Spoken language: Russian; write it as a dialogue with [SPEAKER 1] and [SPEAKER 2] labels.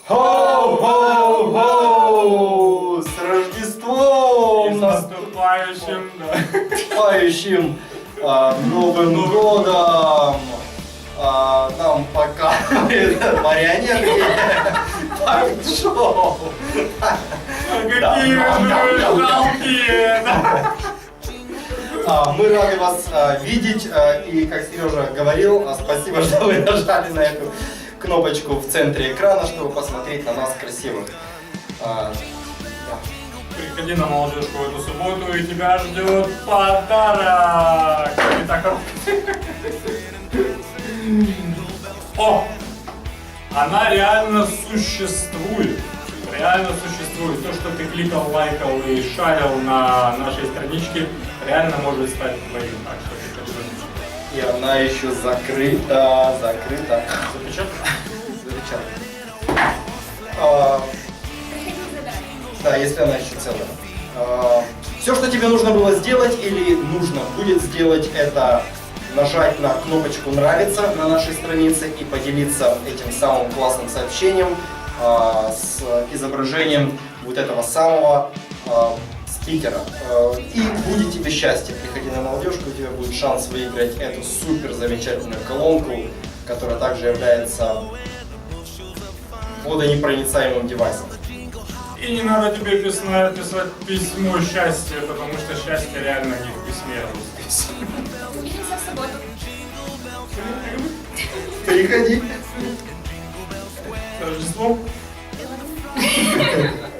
[SPEAKER 1] Хоу-хоу-хоу! С Рождеством!
[SPEAKER 2] С наступающим, да.
[SPEAKER 1] Наступающим Новым годом! Нам показывает марионетки. Шоу!
[SPEAKER 2] Какие вы жалкие!
[SPEAKER 1] Мы рады вас видеть, и как Сережа говорил, спасибо, что вы нажали на эту кнопочку в центре экрана, чтобы посмотреть на нас красивых.
[SPEAKER 2] Приходи на молодежку в эту субботу, и тебя ждет подарок! Итак, о! Она реально существует. Реально существует. То, что ты кликал, лайкал и шарил на нашей страничке, реально может стать твоим. Так что приходи в эту.
[SPEAKER 1] И она еще закрыта.
[SPEAKER 2] Запечатано?
[SPEAKER 1] Запечатана. Да, если она еще целая. Все, что тебе нужно было сделать или нужно будет сделать, это нажать на кнопочку «Нравится» на нашей странице и поделиться этим самым классным сообщением с изображением вот этого самого спикера. И будет тебе счастье. Приходи на молодежку, у тебя будет шанс выиграть эту супер замечательную колонку, которая также является водонепроницаемым девайсом.
[SPEAKER 2] И не надо тебе писать письмо счастья, потому что счастье реально не в письме, а в письме.
[SPEAKER 3] Увидимся в субботу.
[SPEAKER 1] Приходи.
[SPEAKER 2] С Рождеством!